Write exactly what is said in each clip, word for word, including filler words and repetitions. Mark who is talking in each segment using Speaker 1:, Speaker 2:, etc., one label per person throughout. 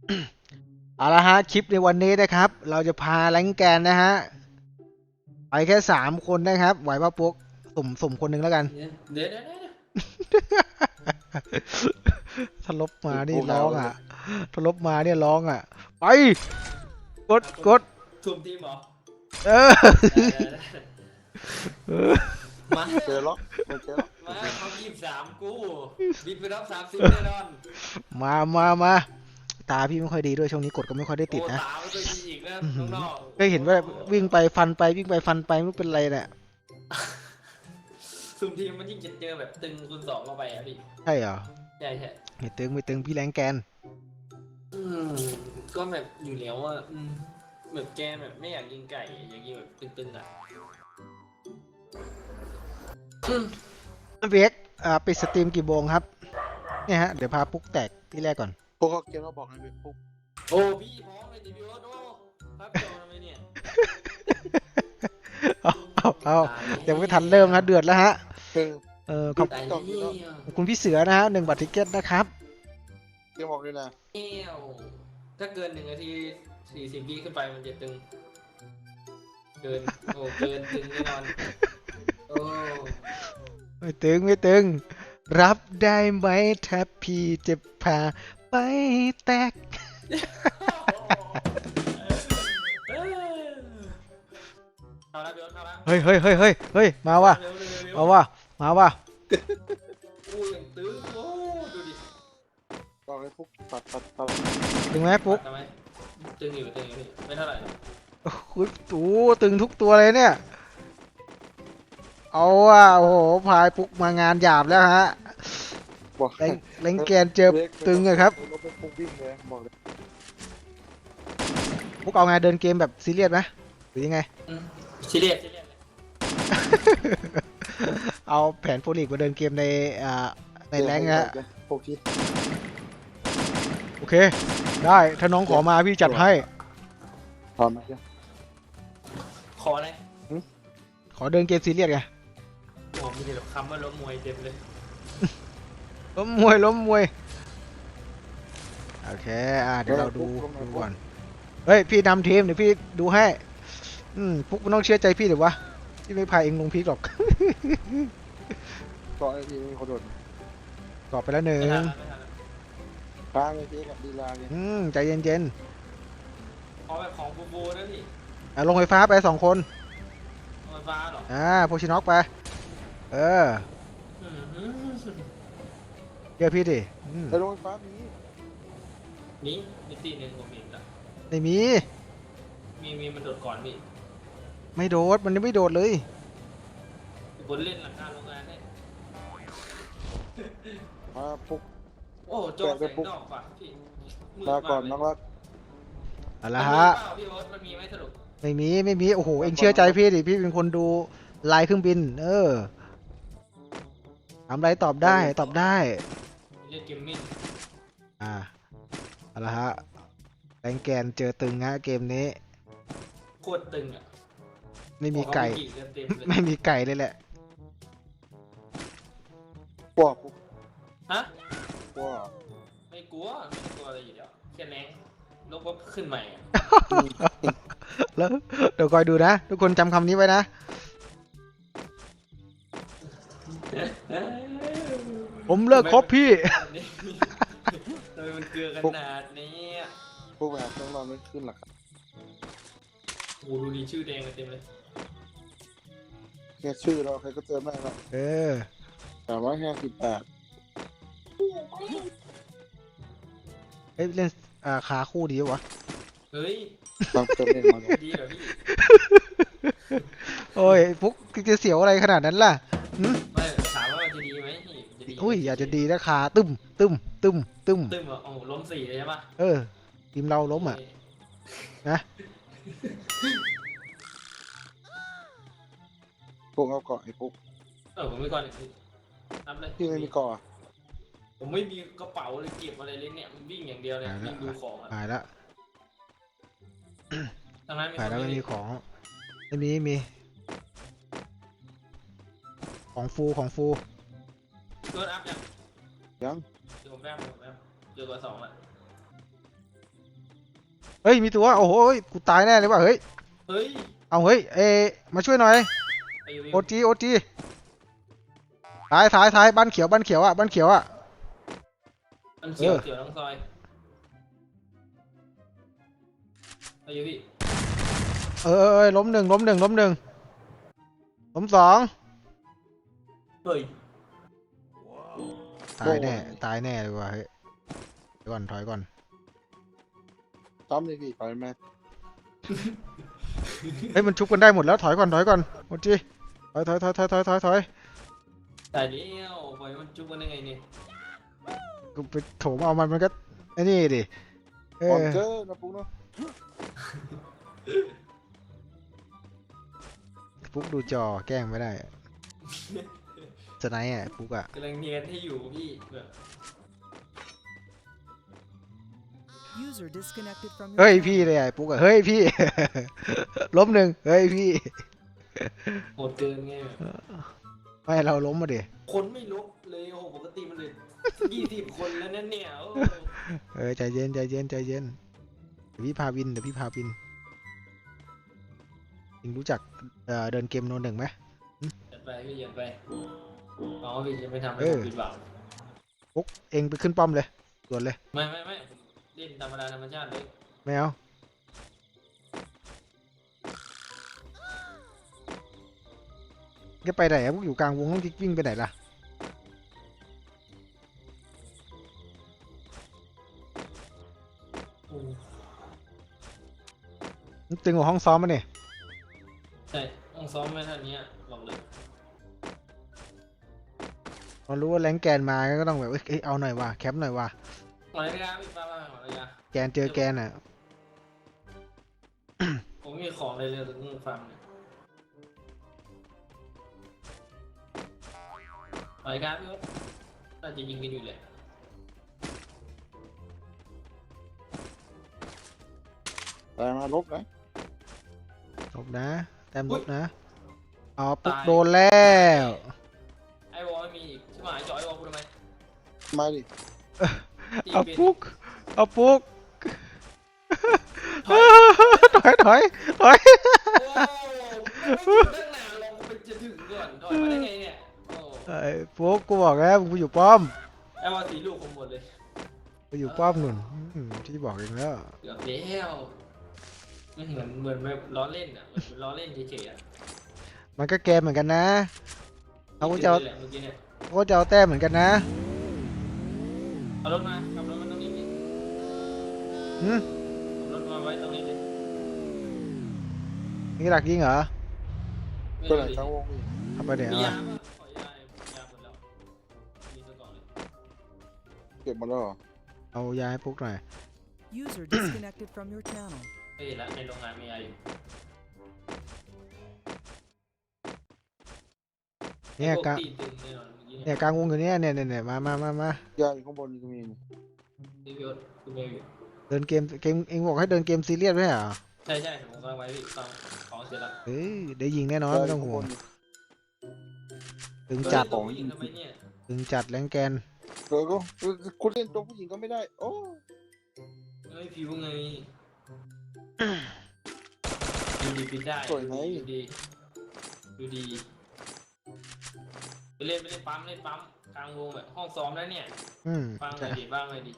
Speaker 1: เอาละฮะคลิปในวันนี้นะครับเราจะพาแรงแกนนะฮะไปแค่สามคนนะครับไหวป่ะปุ๊กสุ่มสุ่มคนหนึ่งแล้วกัน
Speaker 2: เดี๋ยวเดี๋ยวเดี๋ยวเดี๋ยว
Speaker 1: ถ้าลบมานี่
Speaker 3: พวกเรา
Speaker 1: ร้องอ่ะถ้าลบมาเนี่ยร้องอ่ะไปกด
Speaker 2: อ่ะ
Speaker 1: กด
Speaker 2: ทุบทีมเหรอ
Speaker 1: เออ
Speaker 2: ได้ได้ได้
Speaker 1: เออ
Speaker 2: มา
Speaker 3: เจอล็อกไม่เจอล็อก
Speaker 2: มาเขายี่สิบสามกูบินไปรับสามสิบแน่นอน
Speaker 1: มามามาตาพี่ไม่ค่อยดีด้วยช่วงนี้กดก็ไม่ค่อยได้ติด
Speaker 2: โอ้
Speaker 1: นะ
Speaker 2: ตาไม่เคยดีอีกนะ
Speaker 1: อื้อหือ
Speaker 2: น้อง
Speaker 1: เคยเห็นว่าวิ่งไปฟันไปวิ่งไปฟันไปไม่รู้เป็นไรเนี่ย
Speaker 2: ๆซุ่มทีมมันยิ่งจะเจอแบบตึงคูณสองเข้าไปอ่ะพี่
Speaker 1: ใช่เหรอ
Speaker 2: ใช่ใช่
Speaker 1: ไม่ตึงไม่ตึงพี่แรงแกน
Speaker 2: อืมก็แบบอยู่แล้วอ่ะอืมแบบแกแบบไม่อยากยิงไก่อยากยิงแบบตึงๆอ่ะอืม
Speaker 1: เวกอ่าปิดสตรีมกี่โมงครับเนี่ยฮะเดี๋ยวพาปุ๊กแตกที่แรกก่อน
Speaker 3: พวกเขาเกมมาบอกให้ไปปุ๊บ
Speaker 2: โอ้พี่พร้อมเลยดิพี่โอ๊ตโอ้ครับจอทำไมเนี่ย
Speaker 1: เอาเอาเอายังไม่ทันเริ่มนะเดือดแล้วฮะ
Speaker 3: เออ
Speaker 1: เออขอบ
Speaker 2: ตาย
Speaker 3: ต่อ
Speaker 2: แล้ว
Speaker 1: ขอบคุณพี่เสือนะฮะหนึ่งบัตรทิเก็ตนะครับ
Speaker 3: เกมบอกด้วยนะ
Speaker 2: เอวถ้าเกินหนึ่งนาทีสี่สิบวิขึ้นไปมันจะตึง เกิน โอ้ เกินตึงแน่นอน โอ้
Speaker 1: ไม่ตึงไม่ตึง รับได้ไหมถ้าพี่จะพาไปแตก
Speaker 2: เอาละเดี๋ยวเอาละ
Speaker 1: เฮ้ยเฮ้ยเฮ้ยเฮ้ยเฮ้ยมาว่ะ
Speaker 2: เร็วเร็วเร็ว
Speaker 1: มาว่ะมาว่ะ
Speaker 2: อู้ยังตึงโอ้ดูดิ
Speaker 3: บอกให้ปุ๊บตัดตัดตัด
Speaker 1: ตึงไหมปุ๊ก
Speaker 2: ทำไมตึงอยู่ตึงอยู่พี่ไม่เท่าไหร่หรอก
Speaker 1: โอ้โหตูตึงทุกตัวเลยเนี่ย เอาว่ะโอ้โหพายปุ๊กมางานหยาบแล้วฮะ
Speaker 3: บอก
Speaker 1: แรงแรงแกนเจอตึงอะครับ
Speaker 3: รถเป็นปุ๊บวิ่งเลยบอกเลย
Speaker 1: ปุ๊กเอาไงเดินเกมแบบซีเรียสไหมหรือยังไง
Speaker 2: อืมซีเรียสซีเรียสเลย
Speaker 1: เอาแผนโฟลิกมาเดินเกมในอ่าในแรงค์นะฮะ
Speaker 3: พวกที่
Speaker 1: โอเค ได้ถ้าน้องขอมาพี่จัดให้
Speaker 3: พร้อมไหมเจ้า
Speaker 2: ขออะไร
Speaker 1: ขอเดินเกมซีเรียสไง
Speaker 2: โอ้มีแต่คำว่าล้มมวยเต็มเลย
Speaker 1: ล้มมวยล้มมวยโอเคอ่าเดี๋ยวเราดูดูก่อนเฮ้ยพี่นำทีมเดี๋ยวพี่ดูให้อืมพวกมันต้องเชื่อใจพี่เดี๋ยววะพี่ไม่พาเองลงพีกหรอก
Speaker 3: ต่อไอ้ที่มีคนโดด
Speaker 1: ตอบไปแล้วหนึ่ง
Speaker 2: ไม่ทันแล้วไม่ทันแล้ว
Speaker 3: ค้างไอ้ที่กับดีลาเนี่ย
Speaker 1: อืมใจเย็น
Speaker 2: ขอแบบของบูบูนะพี่
Speaker 1: ๆอ่ะลงไฟฟ้าไปสองคน
Speaker 2: ไฟฟ้าเหรอ
Speaker 1: อ่าโพชิน็อกไปเออ
Speaker 2: อืมอืม
Speaker 1: เชื่อพี่ดิอืม
Speaker 3: ไอ้โรงไฟฟ้ามี
Speaker 2: นี่มิติหนึ่งผมเห็นละ
Speaker 1: ไม่มี
Speaker 2: มีมีมันโดดก่อนพี่
Speaker 1: ไม่โดดมันยังไม่โดดเลย
Speaker 2: บนเล่นหลังคาโรงงานเนี่ย
Speaker 3: มาปุ๊บ
Speaker 2: โอ้โจอแสงดอกว่ะพี่มืด
Speaker 3: ลาก่อน
Speaker 2: เล
Speaker 3: น้อย งรัก
Speaker 1: เอา
Speaker 2: มั
Speaker 1: ละ
Speaker 2: นมี
Speaker 1: ฮะ
Speaker 2: เปล่าพี่โอ๊ตมันมีไหมสรุป
Speaker 1: ไม่มีไม่มีโอ้โหเองเชื่อใจพี่ดิพี่เป็นคนดูลายเครื่องบิน เออทำอะไรตอบได้ตอบได้
Speaker 2: เล่นเกมมิ่ง
Speaker 1: อ่าเอาละฮะแรงแกนเจอตึงฮะเกมนี้
Speaker 2: โคตรตึงอ่ะ
Speaker 1: ไม่มีไก่
Speaker 2: บอกว่าเต็มๆเลย
Speaker 1: ไม่มีไก่เลยแหละ
Speaker 3: กลัวปุ๊บ
Speaker 2: ฮะ
Speaker 3: กลัว
Speaker 2: ไม่กลัวไม่กลัวอะไรอยู่แล้วแค่แรงลบว่าขึ้นใหม่อะ
Speaker 1: แล้วเดี๋ยวคอยดูนะ ทุกคนจำคำนี้ไว้นะ ผมเลิกคบพี่
Speaker 2: ทำไมมันเกลือขนาดนี้อะ
Speaker 3: พวกแบบต้องรอไม่ขึ้นหรอกครับ
Speaker 2: โอ้ดูดีชื่อแดงกันเต็มเลย
Speaker 3: แค่ชื่อเราใครก็เจอแม่งแล้ว
Speaker 1: เออ
Speaker 3: สามร้อยห้าสิบแปด
Speaker 1: เอ้ยเล่นอ่าขาคู่ดีวะ
Speaker 2: เฮ้ย
Speaker 3: ต้องเติมเองมาเลย
Speaker 2: ดีเหรอพี่
Speaker 1: โอ้ยฟุกจะเสียวอะไรขนาดนั้นล่ะหึ
Speaker 2: ไม่ถามว่ามันจะดีไหมพี่จะดี
Speaker 1: อุ้ยอยากจะดีนะขาตึมตึมตึมตึม
Speaker 2: ตึ้มเหรอโอ้โหล้มสี่เลยใช่ปะ
Speaker 1: เออทีมเราล้มอ่ะ นะ
Speaker 3: พวกเอาเกาะไอ้ปุ๊บ
Speaker 2: เออผมไม่ก่อนอีกทีนับเลย
Speaker 3: ที่ไม่มีเกาะ
Speaker 2: ผมไม่มีกระเป๋าเลยเก็บอะไรเลยเนี่ยมันวิ่งอย่างเดียวเลยวิ่งดูของอะ
Speaker 1: หายละ
Speaker 2: ทางนั้นมี
Speaker 1: หายแล้ว
Speaker 2: คน
Speaker 1: ไม่
Speaker 2: ไม่
Speaker 1: มี
Speaker 2: มี
Speaker 1: ของไม่มีไม่มี ของฟูของฟู
Speaker 2: เกินอัพยัง
Speaker 3: ยัง
Speaker 2: เดี๋ยวผมแป๊บผมแป๊บเจอกว่าสองละ
Speaker 1: เฮ้ยมีตัวโอ้โหกูตายแน่เลยว่ะเฮ้ย
Speaker 2: เฮ้ย
Speaker 1: เอาเฮ้ยเอมาช่วยหน่อย
Speaker 2: ไอ้วิ
Speaker 1: โอ
Speaker 2: ว
Speaker 1: จีโอจีท้ายท้ายท้ายบ้านเขียวบ้านเขียวอ่ะบ้านเขียวอ่ะ
Speaker 2: มันเขียว
Speaker 1: เออ
Speaker 2: เขียวทั้งซอยไอ้วิวพี่
Speaker 1: เออเออเออล้มหนึ่งล้มหนึ่งล้มหนึ่งล้มสอง
Speaker 2: เฮ้ย
Speaker 1: ตายแน่ตายแน่เลยว่ะเฮ้ยถอยก่อนถอยก่อน
Speaker 3: ซ้ำเลยพี่ไปไหม
Speaker 1: เฮ้ยมันชุบกันได้หมดแล้วถอยก่อนถอยก่อนโอจีถอยถอยถอยถอยถอยถอยถอย
Speaker 2: แต่เดียวปล่อยมันจุกกันได้ไงเนี่ย
Speaker 1: กูไปโถมเอามันมันก็ไอ้นี่ดิเอ
Speaker 3: ก่อน
Speaker 1: อ
Speaker 3: เจอนะปุ๊กเนาะ
Speaker 1: ปุ๊กดูจอแกล้งไม่ได้อะจะไหนอ่ะปุ๊กอ่ะ
Speaker 2: กำลังเนียนให้อยู่พี่แบบ
Speaker 4: User disconnected from your
Speaker 1: เฮ้ย
Speaker 4: channel.
Speaker 1: พี่เลยอ่ะปุ๊กอ่ะเฮ้ยพี่ ล้มหนึ่งเฮ้ยพี่
Speaker 2: โหดเกินไงแบบ
Speaker 1: ไม่เราล้มมาดิ
Speaker 2: คนไม่ลบเลยโอ้โหปกติมันเลยยี่สิบคนแล้วนั่นเนี่ยโอ้
Speaker 1: เออใจเย็นใจเย็นใจเย็นเดี๋ยวพี่พาวินเดี๋ยวพี่พาวินยิงรู้จักเอ่อเดินเกมโนหนึ่งไหม
Speaker 2: ยัดไปพี่ยัดไปน้องพี่จะไม่ทำให้
Speaker 1: เอ
Speaker 2: ผ
Speaker 1: อ
Speaker 2: มผิดหวัง
Speaker 1: ปุ๊กเองไปขึ้นป้อมเลยด่วนเลย
Speaker 2: ไม่ไม่ไม่ผมเล่นธรรมดาธรรมชาติเลย
Speaker 1: ไม่เอาจะไปไหนอะพวกอยู่กลางวงต้องวิ่งไปไหนล่ะ
Speaker 2: โอ้
Speaker 1: มันตึงกว่าห้องซ้อมมาเนี่ย
Speaker 2: ใช่ต้องซ้อมไม่ทันเนี้ยบอกเลย
Speaker 1: พอรู้ว่าแรงแกนมาก็ต้องแบบเอ้ยเอาหน่อยว่ะแคปหน่อยว่ะ
Speaker 2: หมายกาพี่ป้าป้าหมายกา
Speaker 1: แกนเจอแกนอ่ะ
Speaker 2: ผมมีของเลยเลยถึงฟังเนี่ยหมายกาพี่ว่าน่าจะยิงกันอยู่แหละ
Speaker 3: แต่มาลบนะ
Speaker 1: ลบนะแต้มลบนะอ๋อปุ๊กโดนแล้ว
Speaker 2: ไอ้วอลไม่มีอีกใช่ไหมจอยไอ้วอลกูทำไม
Speaker 3: มาดิ
Speaker 2: ตี
Speaker 1: เอา
Speaker 2: เป็น
Speaker 1: ปุ๊กเอาปุ๊กถอยถอยถอย
Speaker 2: โอ้ไม่ถึงตั้งนานลองไปจะถึงก่อนถอยมาได้ไงเนี่ยโอ้
Speaker 1: ไอ้ปุ๊กกูบอกแล้วมึงไปอยู่ป้อม
Speaker 2: ไอ้วอลสีลูกผมหมดเลย
Speaker 1: ไปอยู่ป้อมหนุนอืมที่บอกเองแล้ว
Speaker 2: เกือบแล้วไม่เหมือนเหมือนแบบล้อเล่นอ่ะเหมือนล้อเล่นเฉยๆอ่ะ
Speaker 1: มันก็แกมเหมือนกันนะเขาก็จะเอา
Speaker 2: แหละเมื่อกี้เนี่ย
Speaker 1: เขาก็จะเอาแต้มเหมือนกันนะ
Speaker 2: เอารถมาขับรถมาตรงนี้ดิ
Speaker 1: หืม
Speaker 2: ขับรถมาไว้ตรงนี้ดิ
Speaker 1: นี่หลักยิงเหรอ
Speaker 2: ไม่
Speaker 3: ตัว
Speaker 2: รู้
Speaker 3: ไหน
Speaker 2: ดิ
Speaker 3: ทั้งวงพี่
Speaker 1: ทำไปเดี๋ยว
Speaker 2: มี
Speaker 1: เอา
Speaker 2: ยา
Speaker 1: อะ
Speaker 2: ปะขอยาเลยยาหมดแล้วมีตัวก่อนเลย
Speaker 3: เก็บหมาแล้วเหรอ
Speaker 1: เอายาให้ปุ๊กหน่อย
Speaker 4: User disconnected from your channel.
Speaker 2: เฮ้ยละในโรงงานมียาอยู่
Speaker 1: เนี่ย
Speaker 2: พวก
Speaker 1: กลาง
Speaker 2: ตีตึงแน่นอนเมื่อกี้
Speaker 1: เนี่
Speaker 2: เนี่ย
Speaker 1: ยกลางวงอยู่เนี่ยเนี่ยเนี่ยเนี่ยมามามามา
Speaker 3: ยาอยู่ข้างบนก็มีนี่
Speaker 2: นี่พี่โอ๊ตคุณเมย์อยู่
Speaker 1: เดินเกมเกมเองบอกให้เดินเกมซีเรียสไหมเหรอ
Speaker 2: ใช่ใช่ผมกำลังไว้พี่ฟังของเสร็จแล้ว
Speaker 1: เฮ้ยได้ยิงแน่นอน
Speaker 3: ยา
Speaker 1: ไม่
Speaker 3: อ
Speaker 1: ต้อง
Speaker 3: ยู่ข้าง
Speaker 1: ห่ว
Speaker 3: บ
Speaker 1: ง
Speaker 3: นนี่
Speaker 1: ตึงจัด
Speaker 2: ตัวผู้หญิงทำไมเนี่ย
Speaker 1: ตึงจัดแรงแกน
Speaker 3: เออก็คุณเล่นตัวผู้หญิงก็ไม่ได้ โอ้
Speaker 2: เฮ้ยผิวไงดูดีปิดได้ดูดีดูดีไปเล่นไปเล่นปั๊มเล่นปั๊มกลางวงแบบห้องซ้อมแล้วเนี่ย
Speaker 1: อืม
Speaker 2: ฟังหน่อยดิฟังหน่อยดิ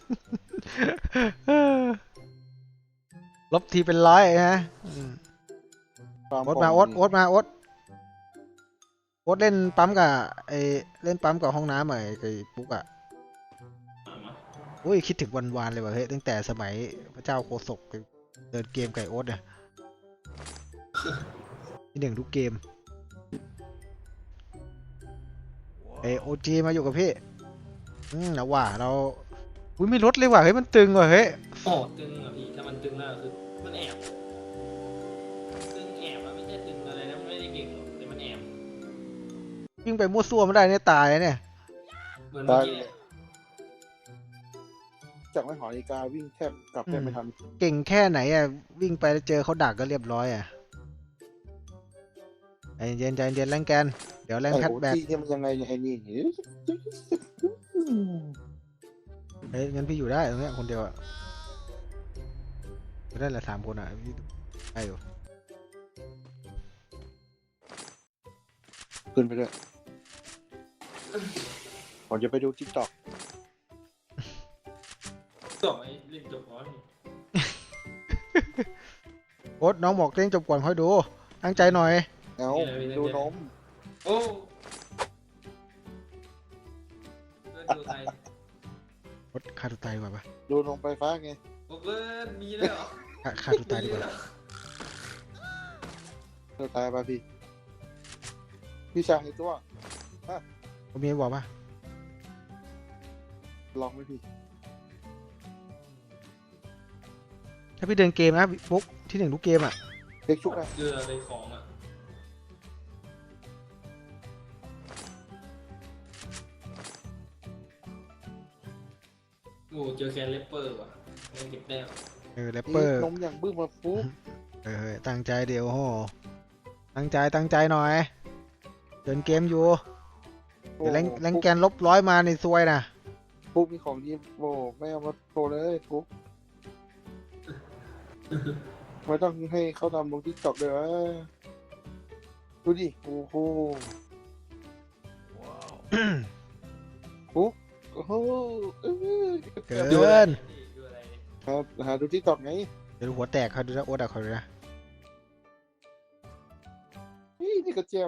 Speaker 1: ลบทีเป็นร้อยนะอืม
Speaker 3: ตาม
Speaker 1: โอ๊ตมาโอ๊ตโอ๊ตมาโอ๊ตโอ๊ตเล่นปั๊มกับไอเล่นปั๊มกับห้องน้ำอะไอ้ไอ้ปุ๊กอะ
Speaker 2: มามา
Speaker 1: อุ้ยคิดถึงวันวานเลยว่ะเฮ้ยตั้งแต่สมัยพระเจ้าโคศกไปเดินเกมไก่โอ๊ตเนี่ยที่หนึ่งทุกเกมเอโอจีมาอยู่กับพี่อืมนะว่าเราอุ้ยไม่ลดเลยว่ะเฮ้ยมันตึงว่ะเฮ้ย
Speaker 2: โอ้ตึงอ่ะพี่ถ้ามันตึงแล้วคือมันแอบตึงแอบอะไม่ใช่ตึงอะไรนะมันไม่ได้เก่งหรอกแต่มันแอบ
Speaker 1: วิ่งไปมั่วซั่วไม่ได้เนี่ยตายเนี่ย
Speaker 2: เหมือนเมื่อ
Speaker 3: ตาย
Speaker 2: กี้
Speaker 3: เล
Speaker 2: เนี่ย
Speaker 3: ยจากไม่หอนาฬิกาวิ่งแทบกลับแทบไม่ทัน
Speaker 1: เก่งแค่ไหนอ่ะวิ่งไปแล้วเจอเขาดักก็เรียบร้อยอ่ะใจเย็นใจเย็นแรงแกนเดี๋ยวแรง
Speaker 3: ไอ้
Speaker 1: แพท
Speaker 3: โอ
Speaker 1: แบก
Speaker 3: ทีเนี่ยมันยังไงเนี่ยไอ้นี่
Speaker 1: เฮ้ยงั้นพี่อยู่ได้ตรงเนี้ยคนเดียวอ่ะไม่ได้ละสามคนอ่ะพี่ได้อยู่
Speaker 3: ขึ้นไปด้วยผมจะไปดูทิกตอก
Speaker 2: ต่อไอ้เล่นจบก่อน
Speaker 1: โอ๊ตน้องบอกเล่นจบก่อนค่อยดูตั้งใจหน่อย
Speaker 3: เอาดูนม
Speaker 2: โอ้เพื่อนดูใคร
Speaker 1: โอ๊ตฆ่าตัวตายดีกว่าปะ
Speaker 3: ดูนมไฟฟ้าไง
Speaker 2: โอ้เพื่อนมีเลยเหรอ
Speaker 1: ฆ่าฆ่าตัวตายดีกว่า
Speaker 3: เธอตายป่ะพี่ พี่ชายในตัว
Speaker 1: ผมมีบอกปะ
Speaker 3: ลองไหมพี่
Speaker 1: ถ้าพี่เดินเกมนะฟุกที่หนึ่งทุกเกมอ่ะ
Speaker 3: เด็กชุกนะ
Speaker 2: เรืออะไรของอ่ะโอ้เจอแคนเลปเปอร์ว่ะยังเก็บแต้ม
Speaker 1: เออแรปเปอร์
Speaker 3: นมอย่างบึ้มมาฟุ๊บ
Speaker 1: เออตั้งใจเดี๋ยวโหตั้งใจตั้งใจหน่อย เดินเกมอยู่เดี๋ยวแรงแรงแกนลบร้อยมาในซวยนะ
Speaker 3: ฟุ๊บมีของดีโอ้ไม่เอามาโชว์เลยฟุ๊บไม่ต้องให้เขาทำลงทิกตอกเลยวะดูดิ โอ้โหฟุ๊บโอ้โหเอ้ย
Speaker 1: เกิ
Speaker 2: ดูอะไร
Speaker 1: น
Speaker 2: ดูอะไร
Speaker 3: ครับหาดูทิกตอกไง
Speaker 1: เดี๋ยวหัวแตกเขาดูนะโอ๊ตอะเขาดูนะ
Speaker 3: นี่นี่ก็แจม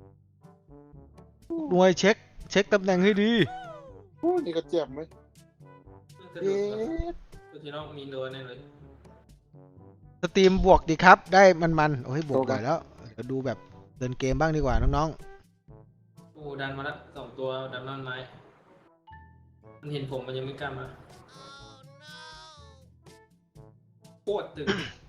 Speaker 1: หน่วยเช็คเช็คตำแหน่งให้ดี
Speaker 3: โอ้นี่ก็แจมไหม
Speaker 2: กระ
Speaker 3: เอ๊
Speaker 2: ดูก
Speaker 3: ะ
Speaker 2: ตัวที่น้องมีโดนแน่เลย
Speaker 1: สตรีมบวกดีครับ ได้มันๆโอ้ยบวกบ่อยแล้วเดี๋ยวดูแบบเดินเกมบ้างดีกว่าน้อง
Speaker 2: โอ้ดันมาละสองตัวดันนั่นไม้มันเห็นผมมันยังไม่กล้ามาโคตรตึง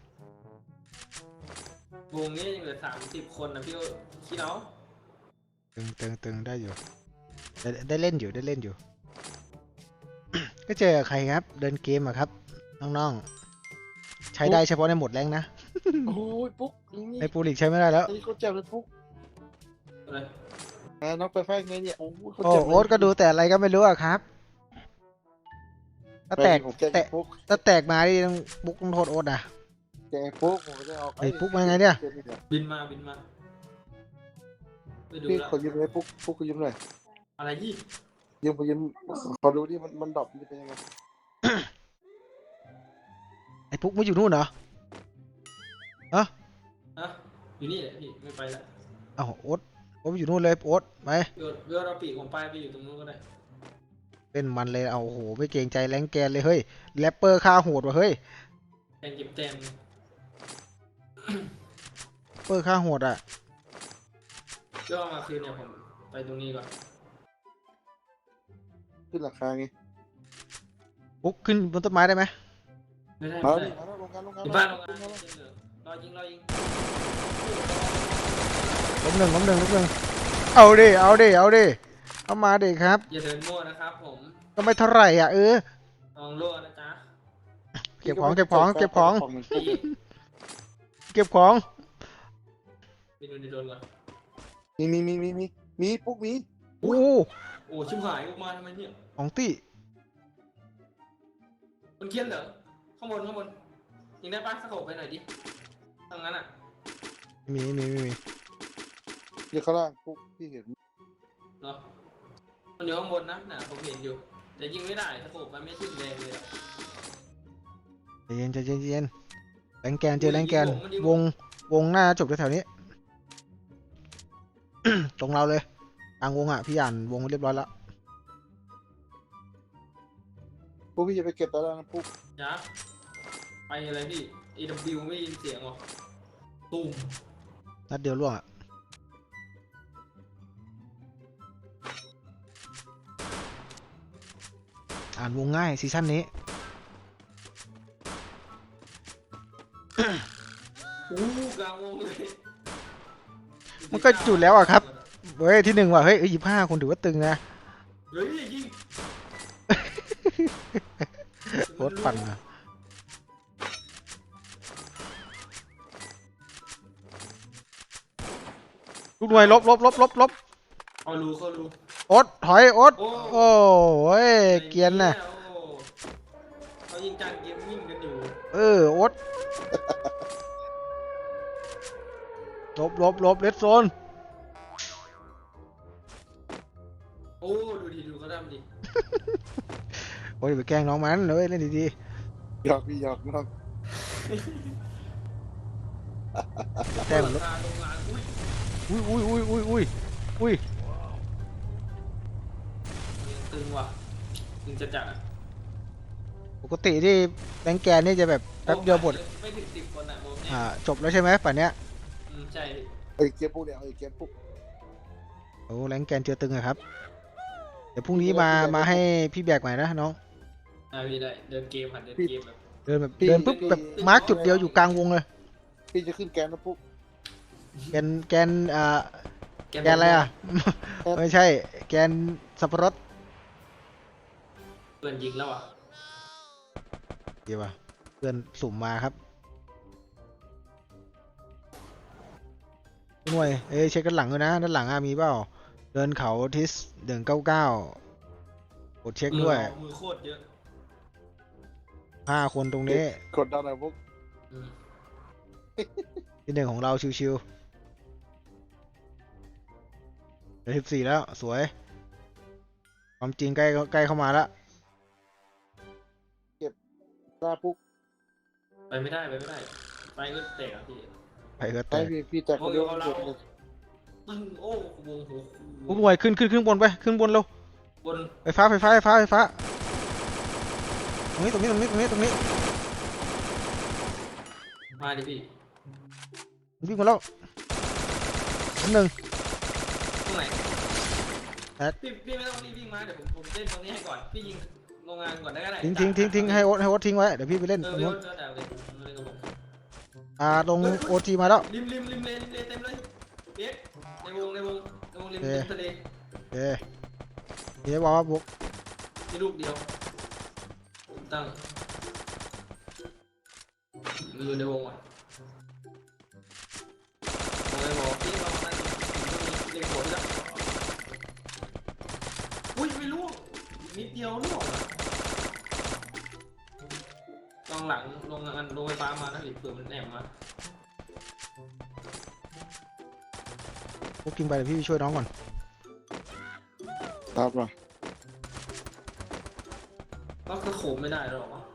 Speaker 2: วงนี้ยังเหลือสามสิบคนนะพี่โอ้คิดเอา
Speaker 1: ๆตึงตึงตึงได้อยู่ได้ได้เล่นอยู่ได้เล่นอยู่ ก็เจอกับใครครับ เดินเกมอะครับน้องๆใช้ได้เฉพาะในโหมดแรงนะ
Speaker 3: โอ้ยปุ๊กนี่
Speaker 1: ในปูลิกใช้ไม่ได้แล้ว
Speaker 3: ไอ้เขาแจมเลยปุ๊ก
Speaker 2: อะไร
Speaker 3: อ่าน้องไปไฟไงเนี่ยโอ้ยเขา
Speaker 1: โอ้
Speaker 3: แจมเลย
Speaker 1: โอ๊ตก็ดูแต่อะไรก็ไม่รู้อะครับถ้าแตก
Speaker 3: ผมแจม
Speaker 1: แตก
Speaker 3: ปุ๊ก
Speaker 1: ถ้าแตกมาดิต้องบุกต้องโทษโอ๊ตอะ
Speaker 3: แจมปุ๊กผมจะเอา
Speaker 1: ไอ้ปุ๊กมาไงเนี่ย
Speaker 2: บินมาบินมาไปดู
Speaker 3: พี่
Speaker 2: แล้ว
Speaker 3: ขอยืมเลยปุ๊กปุ๊กขอยืมหน่อย
Speaker 2: อะไรยี่
Speaker 3: ยืมขอยืมขอดูดิมันมันดรอปมันจะเป็นยังไง
Speaker 1: ไอ้ปุ๊กไม่อยู่นู่นเหรอ
Speaker 2: ฮะอยู่นี่แหละพี่ไม่ไปละ
Speaker 1: เอ้าโอ๊ตโอ๊ตไม่อยู่นู่นเลยโอ๊ตไป
Speaker 2: เดี๋ยวเดี๋ยวเราปีกผมไปไปอยู่ตรงนู้นก็ได้
Speaker 1: เล่นมันเลยเอาโอ้โหไม่เกรงใจแรงแกนเลยเฮ้ยแรปเปอร์ฆ่าโหดว่ะเฮ้ย
Speaker 2: แทนเก็บแต้ม
Speaker 1: เปอร์ฆ่าโหดอะ
Speaker 2: เดี๋ยวเอามาคืนเนี่ยผมไปตรงนี้ก่อน
Speaker 3: ขึ้นราคาไง
Speaker 1: ปุ๊กขึ้นบนต้นไม้ได้ไหม
Speaker 2: ไม่ได้
Speaker 3: มา
Speaker 2: ไม่
Speaker 3: ดิ
Speaker 2: ได้
Speaker 3: มาแล้วลงกันลงกัน
Speaker 2: อยู่บ้านลงงานรอยิงรอยิง
Speaker 1: ล้มหนึ่งล้มหนึ่งล้มหนึ่งเอาดิเอาดิเอาดิเอามาดิครับ
Speaker 2: อย่าเดินมั่วนะครับผม
Speaker 1: ก็ไม่เท่าไหร่อ่ะเออ
Speaker 2: ลองรั่วนะจ๊ะ
Speaker 1: เก็บของเก็บของเก็บของ
Speaker 2: พี่
Speaker 1: เก็บของ
Speaker 2: ไปดูในโดนก่อน
Speaker 3: มีมีมีมีมีมีปุ๊กมี
Speaker 1: โอ้
Speaker 2: โอ้ชิบหายกูมาทำไมเนี่ย
Speaker 1: ของตี้
Speaker 2: มันเคียนเหรอข้างบนข้างบนยิงได้ปะสะโขบไปหน่อยดิทางนั้นอ่ะ
Speaker 1: มีมีมีมี
Speaker 3: เดี๋ยวข้างล่างปุ๊กพี่เห็น
Speaker 2: เนาะมันอยู่ข้างบนนะน่ะผมเห็นอยู่แต่ยิงไม่ได้สะโขบมันไม่ขึ้นแรงเลยอะ
Speaker 1: ใจเย็นใจเย็นใจเย็นแรงแกนเจอแรงแกนวงวงหน้าจบแถวๆนี้ ตรงเราเลยกลางวงอ่ะพี่อ่านวงเรียบร้อยแล้ว
Speaker 3: ปุ๊กพี่จะไปเก็บตารางนะปุ๊ก
Speaker 2: จ้าไปอะไรพี่ เอ ดับเบิลยู ไม่ยินเสียงหรอตุ้ม
Speaker 1: นัดเดียวล่วงอ่ะอ่านวงง่ายซีซั่นนี้
Speaker 2: อู้กลางวงเลย
Speaker 1: มันก็จุดแล้วอะครับ เฮ้ยที่หนึ่งว่ะเฮ้ยยี่ห้าคนถือว่าตึงนะ
Speaker 2: เฮ้ยยิง
Speaker 1: โคตรปั่นอะลูกหน่วยลบลบลบลบลบ
Speaker 2: เขารู้เขารู้
Speaker 1: โอ๊ตถอยโอ๊ต
Speaker 2: โอ้
Speaker 1: โอ้ยเกรียนน่ะ
Speaker 2: โอ้เขายิงจานเกมมิ่งกันอยู่
Speaker 1: เออโอ๊ตลบลบลบเลดโซน
Speaker 2: โอ้ดูดิดูเขาทำดิ
Speaker 1: โอ้ยอย่าไปแกล้งน้องมันเลยเล่นดี
Speaker 3: หยอกพี่หยอกน้อง
Speaker 1: ๆแต้มลบ
Speaker 2: ราคาโรงงานอุ้ย
Speaker 1: อุ้ยอุ้ยอุ้ยอุ้ยอุ้ยอุ้ย
Speaker 2: ยังตึงว่ะตึงจะจัดอะ
Speaker 1: ปกติที่แบงค์แกนนี่จะแบบแป๊บเดียวหมด
Speaker 2: ไม่ถึงสิบคนอะโมเนี่ย
Speaker 1: อ่าจบแล้วใช่ไหมป่านเนี้ย
Speaker 2: อืมใช่พี่
Speaker 3: เอ้ยเก็บปุ๊กเนี่ยเอ้ยเก็บปุ๊ก
Speaker 1: โอ้แรงแกนเจอตึงอะครับ เดี๋ยวพรุ่งนี้มามาให้พี่แบกใหม่นะน้อง
Speaker 2: อ่าพี่ได้เดินเกมผ่านเดินเกมแบบ
Speaker 1: เดินแบบเดินปุ๊บแบบมาร์กจุดเดียวอยู่กลางวงเลย
Speaker 3: พี่จะขึ้นแกนนะปุ๊ก
Speaker 1: แกนแกนอ่าแกนอะไรอ่ะ ไม่ใช่ แกนสับปะรด
Speaker 2: เพื่อนยิงแล้วอ่ะ
Speaker 1: ดีป่ะเพื่อนสุ่มมาครับหน่วยเอ้ยเช็คด้านหลังด้วยนะด้านหลังอะมีเปล่าเดินเขาทิสเดินเก้าเก้ากดเช็คด้วย
Speaker 2: มือโคตรเยอะ
Speaker 1: ห้าคนตรงนี้
Speaker 3: กดดันหน่อยปุ๊ก
Speaker 2: อืม
Speaker 1: ที่หนึ่งของเราชิวๆเหลือสิบสี่แล้วสวยความจริงใกล้ใกล้เข้ามาแล้ว
Speaker 3: หน้าปุ๊ก
Speaker 2: ไปไม่ได้ไปไม่ได้ไปก็เตะอ่ะพี่
Speaker 1: ไปเถอะ
Speaker 3: ให้
Speaker 1: แต่
Speaker 3: พี่พี่แตกคนเดียว
Speaker 2: โอ้ย
Speaker 3: เก็บ
Speaker 2: เอา
Speaker 3: เล
Speaker 2: เรา
Speaker 3: ย
Speaker 2: ตึงโอ้วงหู
Speaker 1: พวกหน่วยขึ้นขึ้นขึ้นบนไปขึ้นบนเร็ว
Speaker 2: บน
Speaker 1: ไฟฟ้าไฟฟ้าไฟฟ้าไฟฟ้าตรงนี้ตรงนี้ตรงนี้ตรงนี้ตรงนี้
Speaker 2: มาดิพี่
Speaker 1: วิ่งมาแล้วอันหนึ่ง
Speaker 2: ตรงไหน
Speaker 1: แอด
Speaker 2: พี่พี่ไม่ต้องรีบวิ่งมาเดี๋ยวผมผมเล่นตรงนี้ให้ก่อนพี่ยิงโรงงานก่อนได้ก็ได้
Speaker 1: ทิ้งทิ้งทิ้งทิ้งให้โอ๊ตให้โอ๊ตทิ้งไว้เดี๋ยวพี่ไปเล่น
Speaker 2: เอ
Speaker 1: ต
Speaker 2: อ
Speaker 1: รง
Speaker 2: พี่
Speaker 1: นู้
Speaker 2: โอ๊
Speaker 1: น
Speaker 2: ตก็ได้เลยเล่นกับผม
Speaker 1: อ่าลงโอทีมาแล้ว
Speaker 2: ริมริมริมเลริมเลเต็มเลยเบ๊กในวงในวงในวงริม
Speaker 1: โอเค
Speaker 2: ริมทะเล
Speaker 1: โอเคเดี๋ยวบอกว่าบุก
Speaker 2: มีลูกเดียวตั้งอยู่ในวงอ่ะผมเลยบอกพี่เรานั่นเล็งหัวพี่แล้วอุ้ยไม่รู้นิดเดียวล่วงอ่ะลองหลังลงงานลงไฟฟ้ามานะพี่เผื่อมันแอบมา
Speaker 1: บุกกินไปเดี๋ยวพี่ไปช่วยน้องก่อน
Speaker 3: ครับมา
Speaker 2: ก็คือโขมไม่ได้หรอวะ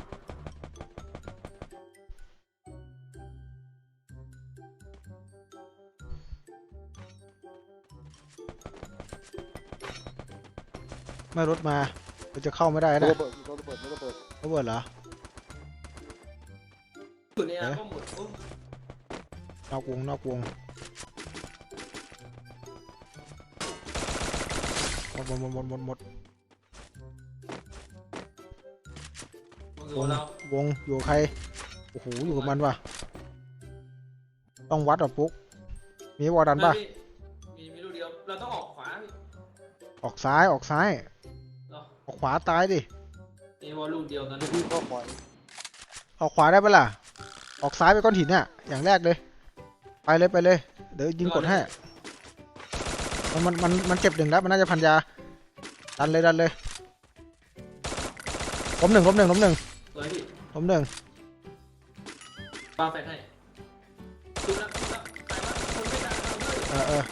Speaker 1: ไม่รถมาเราจะเข้าไม่ได้
Speaker 3: ไม่
Speaker 1: นะ
Speaker 3: ระเบิดไม่ระเบิดไม่ระเบิด
Speaker 1: ระเบิดเหรอ
Speaker 2: อยู่ในอาก็หมดโอ้
Speaker 1: นอกวงนอกวงหมดหมดหมดหมดหมดหมด
Speaker 2: โหเรา
Speaker 1: วงอยู่กับใครโอ้โหอยู่กับมันว่ะต้องวัดอ่ะปุ๊กมีวอลดันป่ะ
Speaker 2: มีมีลูกเดียวเราต้องออกขวาพี่
Speaker 1: ออกซ้ายออกซ้าย
Speaker 2: เหรอ
Speaker 1: ออกขวาตายดิ
Speaker 2: มีวอลลูกเดียวตอนนี้
Speaker 3: พี่ก็ปล่อย
Speaker 1: ออกขวาได้ปะล่ะออกซ้ายไปก้อนหินเนี่ยอย่างแรกเลยไปเลยไปเลยเดี๋ยวยิงกดให้มันมันมันมันเจ็บหนึ่งแล้วมันน่าจะพันยาดันเลยดันเลยล้มหนึ่งล้มหนึ่งล้มหนึ่ง
Speaker 2: สวยพี่
Speaker 1: ล้มหนึ่ง
Speaker 2: ปาแฟนให้จุดละจุดละตายละคนไม่ได้เราด้วย
Speaker 1: เออเออ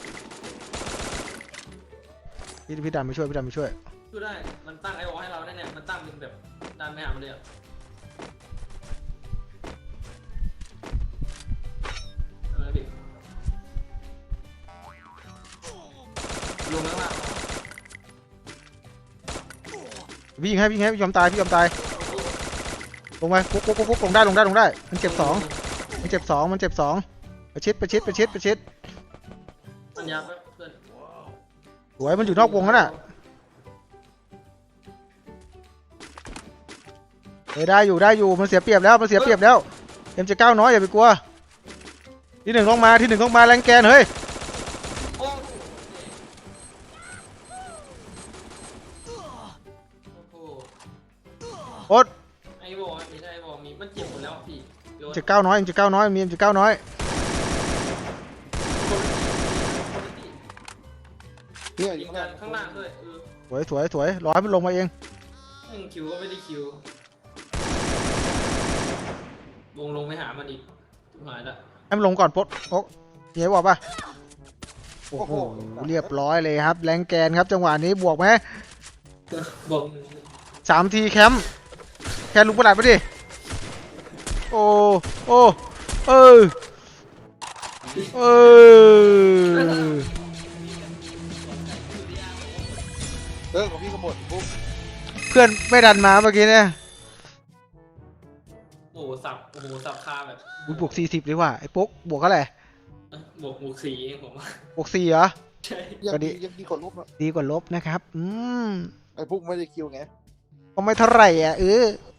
Speaker 1: พี่พี่ดันไปช่วยพี่ดันไปช่วย
Speaker 2: ช่วยได้มันตั้งไอวอลให้เราแน่ๆมันตั้งเป็นแบบดันไปหามันเลยอะเอาเลยพี่ลงข้างล่าง
Speaker 1: พี่ยิงให้พี่ยิงให้พี่ยอมตายพี่ยอมตายลงไปปุ๊บปุ๊บปุ๊บปุ๊บลงได้ลงได้ลงได้มันเจ็บสองมันเจ็บสองมันเจ็บสองประชิดประชิดประชิดประชิด
Speaker 2: ปัญญาแป๊บเพื่อน
Speaker 1: สวยมันอยู่นอกวงแล้วน่ะเออได้อยู่ได้อยู่มันเสียเปรียบแล้วมันเสียเปรียบแล้วเอ็มจะก้าวน้อยอย่าไปกลัวที่หนึ่งลงมาที่หนึ่งลงมาแรงแกนเฮ้ย
Speaker 2: โอ้โห
Speaker 1: โอ๊ต
Speaker 2: ไอ้วอลมีได้ไอ้วอลมีมันเจ็บหมดแล้วพี่โยน
Speaker 1: จะก้าวน้อยเอ็มจะก้าวน้อยมีเอ็มจะก้าวน้อย
Speaker 3: เนี่ยอ
Speaker 2: ยิ
Speaker 3: ยู่
Speaker 2: งกันข้างล่างด้วยเออ
Speaker 1: สวยสวยสวยรอให้มันลงมาเอง
Speaker 2: หนึ่งคิวก็ไม่ได้คิววงลงไปหามันอีกหายละ
Speaker 1: ให้มันลงก่อนปุ๊บโอ๊ะเฮียบอกป่ะโอ้
Speaker 3: โอ้
Speaker 1: โห
Speaker 3: โห
Speaker 1: เรียบร้อยเลยครับแรงแกนครับจังหวะนี้บวกไหม
Speaker 2: บอก
Speaker 1: สามทีแคมป์แค่ลุกประหลาดไปดิโอ้โอ้เออเออ
Speaker 3: เออของพี่ก็หมดปุ๊บ
Speaker 1: เพื่อนไม่ดันมาเมื่อกี้เนี่ย
Speaker 2: โอ้โหสับโอ้โหสับคาแบบ
Speaker 1: อุ๊ยบวกสี่สิบดีกว่าไอ้ปุ๊กบวกเท่าไหร่
Speaker 2: เอ้ยบวกบวกสีเองผมว่า
Speaker 1: บวกสี่เหรอ
Speaker 2: ใช่
Speaker 3: ยัง
Speaker 1: ก็ดี
Speaker 3: ดียังดีกว่าลบนะ
Speaker 1: ดีกว่าลบนะครับอืม
Speaker 3: ไอ้พวกไม่ได้คิวไง
Speaker 1: ก็ไม่เท่าไหร่อ่ะเออ